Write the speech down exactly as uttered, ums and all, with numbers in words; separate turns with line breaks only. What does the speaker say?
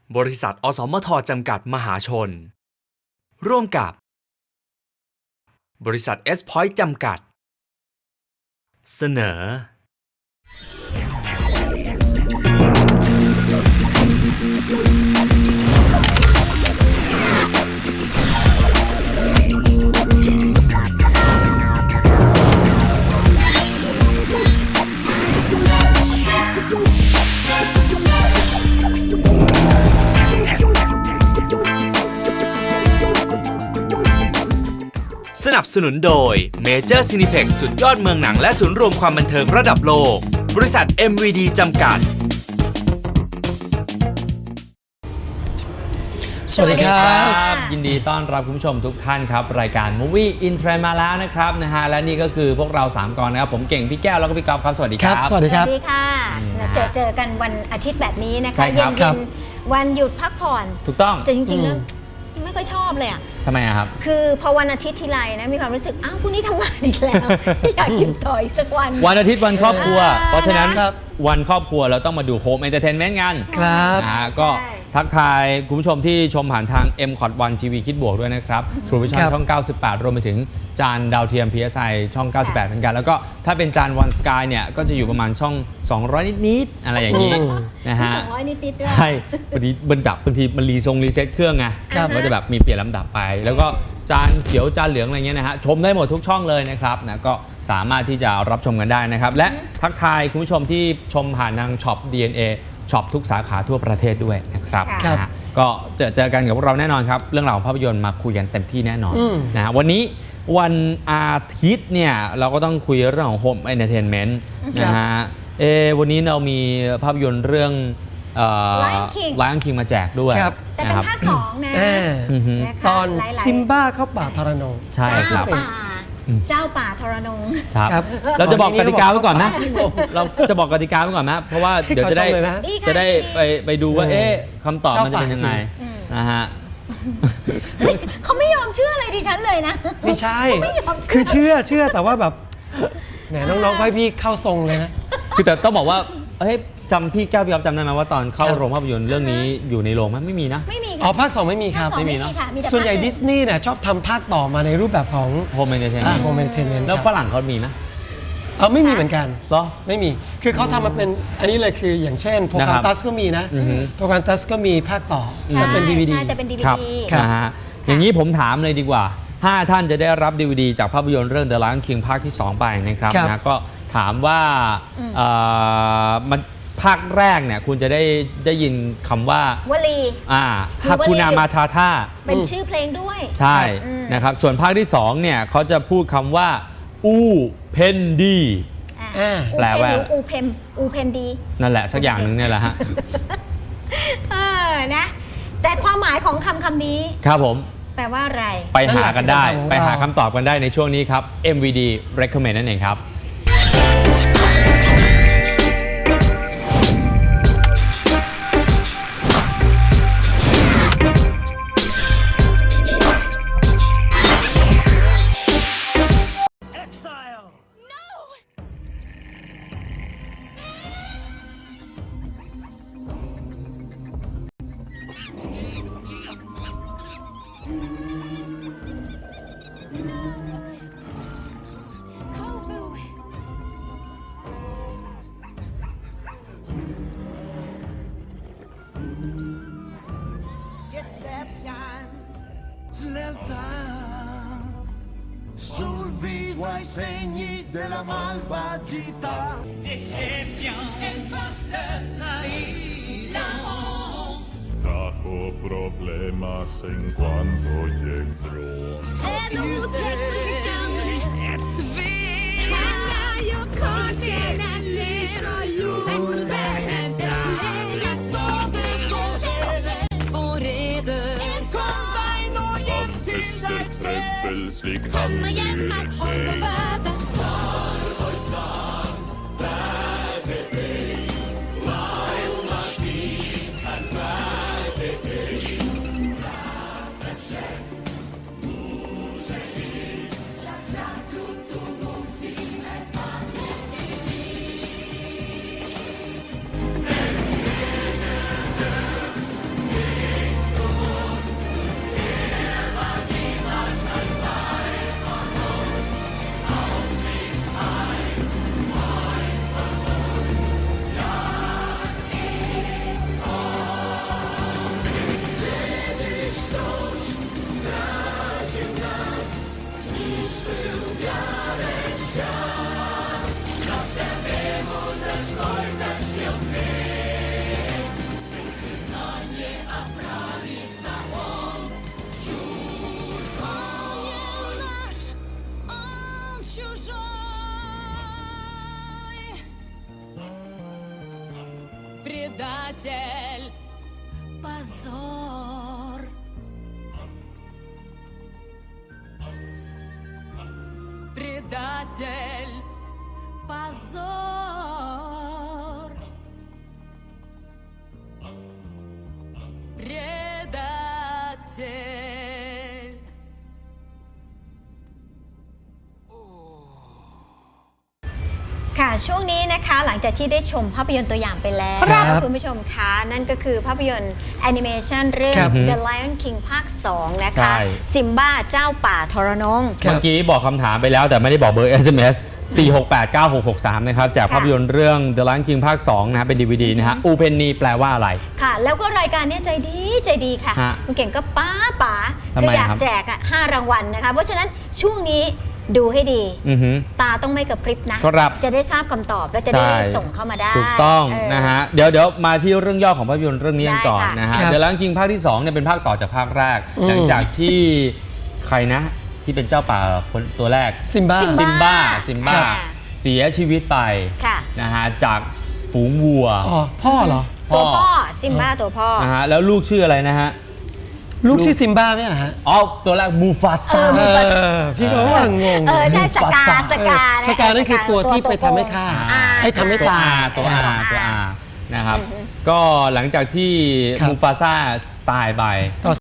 บริษัทอสมทจำกัดมหาชนร่วมกับบริษัทเอสพอยต์จำกัดเสนอสนับสนุนโดย Major Cineplex สุดยอดเมืองหนังและศูนย์รวมความบันเทิงระดับโลกบริษัท เอ็ม วี ดี จำกัด
สวัสดีครับ
ยินดีต้อนรับคุณผู้ชมทุกท่านครับรายการ Movie in Trend มาแล้วนะครับนะฮะและนี่ก็คือพวกเราสามกองนะครับผมเก่งพี่แก้วแล้วก็พี่กอล์ฟครับสวัสดีครับ
สวัสดีครับ
สวัสดีค่ะเจอเจอกันวันอาทิตย์แบบนี้นะคะเย็นๆวันหยุดพักผ่อน
ถูกต้อง
แต่จริงๆแล้วไม่ค่อยชอบเลยอ่ะ
ทำไมอะครับ
คือพอวันอาทิตย์ทีไรนะมีความรู้สึกอ้าวพรุ่งนี้ทำงานอีกแล้วอยากกินต่ออีกสักวัน
วันอาทิตย์วันครอบครัวเพราะฉะนั้นวันครอบครัวเราต้องมาดูโฮมเอนเตอร์เทนเมนต์กัน
ครับ
นะฮะก็ทักทายคุณผู้ชมที่ชมผ่านทาง เอ็ม คอท วัน ที วี คิดบวกด้วยนะครับ True Vision ช่องเก้าสิบแปดรวมไปถึงจานดาวเทียม พี เอส ไอ ช่องเก้าสิบแปดเหมือนกันแล้วก็ถ้าเป็นจาน One Sky เนี่ยก็จะอยู่ประมาณช่องสองร้อยนิดๆอะไรอย่างนี้นะฮะ
สองร้อยนิดๆ
ใช่บางทีมันดับบางทีมันรีทรงรีเซ็ตเครื่องไงก็จะแบบมีเปลี่ยนลำดับไปแล้วก็จานเขียวจานเหลืองอะไรเงี้ยนะฮะชมได้หมดทุกช่องเลยนะครับนะก็สามารถที่จะรับชมกันได้นะครับและทักทายคุณผู้ชมที่ชมผ่านทางช็อป ดี เอ็น เอ ช็อปทุกสาขาทั่วประเทศด้วยนะครับนะก็เจอเจอกันกับพวกเราแน่นอนครับเรื่องราวของภาพยนตร์มาคุยกันเต็มที่แน่นอนนะฮะวันนี้วันอาทิตย์เนี่ยเราก็ต้องคุยเรื่องของ Home Entertainment นะฮะเอวันนี้เรามีภาพยนตร์เรื่องLion King มาแจกด้วย
แต่เป็นภาคสองนะ
ตอนซิมบ้าเข้าป่าทรนง
ใช่ครับ
เจ้าป่าทรนง
ครับเราจะบอกกติกาไว้ก่อนนะเราจะบอกกติกาไว้ก่อนนะเพราะว่าเดี๋ยวจะได้จะได้ไปไปดูว่าเอ๊ะคำตอบมันจะเป็นยังไงนะฮะ
เขาไม่ยอมเชื่ออะไรดิฉันเลยนะ
ไม่ใช่คือเชื่อเชื่อแต่ว่าแบบแหมน้องๆให้พี่เข้าทรงเลยนะ
คือแต่ต้องบอกว่าเฮ้ยจำพี่แก้วพี่อ๊อฟจำได้ไหมว่าตอนเข้าโรงภาพยนตร์เรื่องนี้อยู่ในโรงมั้ยไม่มีนะ
ไม่มี
อ๋อภาคสองไม่มีครับ
ไม่มีเนาะ
ส่วนใหญ่ดิสนีย์เนี่ยชอบทำภาคต่อมาในรูปแบบของ
Home Entertainment
Home Entertainment
แล้วฝรั่งเขามีไหม
เออไม่มีเหมือนกัน
เหรอ
ไม่มีคือเขาทำมาเป็นอันนี้เลยคืออย่างเช่นโปรแกรมตัสก็มีนะโปรแกรมตัสก็มีภาคต่อแต่เป็น ดี วี ดี
ใช่แต่เป็น ดี วี ดี
นะฮะอย่างนี้ผมถามเลยดีกว่าห้าท่านจะได้รับ ดี วี ดี จากภาพยนตร์เรื่อง The Lion King ภาคที่สองไปนะครับนะก็ถามว่ามันภาคแรกเนี่ยคุณจะได้ได้ยินคำว่าว
ลี
อ่าฮาคูนามาทาท่า
เป็นชื่อเพลงด้วย
ใช่นะครับส่วนภาคที่สองเนี่ยเขาจะพูดคำว่าอูเพนดี
แปลว่าอูเพนอูเพนดี
นั่นแหละสักอย่างหนึ่งเนี่ยแหละฮะ
เออนะแต่ความหมายของคำคำนี้
ครับผม
แปลว่าอะไร
ไปหากันได้ไปหาคำตอบกันได้ในช่วงนี้ครับ เอ็ม วี ดี Recommend นั่นเองครับ
Sul viso ai segni della malvagità. Decepción, el máster la honte. Trajo problemas en cuanto llegó. Seduces ett svek. Jag kanske nära jordbärsar. Jag sa det så och reder. Kom dig nå hjem till dig selv. Slik han uttrykker seg.
Предатель, позор. Предатель, позор. Предатель.
ค่ะช่วงนี้นะคะหลังจากที่ได้ชมภาพยนตร์ตัวอย่างไปแล้ว
ครับ
คุณผู้ชมคะนั่นก็คือภาพยนตร์แอนิเมชันเรื่อง
ครับ
The Lion King ภาค สอง นะ
ใช่
คะซิมบ้าเจ้าป่าทรนง
ครับ
เมื่อกี้บอกคำถามไปแล้วแต่ไม่ได้บอกเบอร์ เอส เอ็ม เอส สี่ หก แปด เก้า หก หก สาม นะครับ จาก
ค่ะ
ภาพยนตร์เรื่อง The Lion King ภาค สอง นะฮะเป็น ดี วี ดี นะฮะ อูเพนนีแปลว่าอะไร
ค่ะ แล้วก็รายการเนี้ใจดีใจดีค่ะ
ฮะ
คุณเก่งก็ป้าป๋า
ทำไม
ถ้าอยาก
ครับ
แจกอ่ะห้ารางวัลนะคะ เพราะฉะนั้นช่วงนี้ดูให้ดี
อือฮึ
ตาต้องไม่กระพริบนะ
ครับ
จะได้ทราบคำตอบและจะได้
ใช่
รีบส่งเข้ามาได้
ถูกต้อง
เ
นะฮะเดี๋ยวเดี๋ยวมาที่เรื่องย่อของภาพยนตร์เรื่องนี้กันก่อน
ได้ค่ะ
นะฮะ
ครับ
เดี๋ยว Lion King ภาคที่สองเนี่ยเป็นภาคต่อจากภาคแรก
อืม
หลังจากที่ใครนะที่เป็นเจ้าป่าคนตัวแรก
ซิมบ้า
ซิม
ซิมบ้าซิมบ้า
ค่ะ
เสียชีวิตไป
ค่ะ
นะฮะจากฝูงวัว
อ๋อพ่อเหรอ
ตัวพ่อซิมบ้าตัวพ่อ
นะฮะแล้วลูกชื่ออะไรนะฮะ
ลูกชื่อซิมบ้าไหมนะฮะ
อ๋อตัวแรกมูฟาซา
เออพี่ก็ว่างง
เออใช่สกาสกา
สกานั่นคือตัวที่ไปทำให้ฆ่า
อ่า
ให้ทำให้
ตัว
ตาย
อาตัวอา
ตัว
ตัว
อา
อานะครับ ก็หลังจากที่
ครับ
มูฟาซาตายไป
ต่อ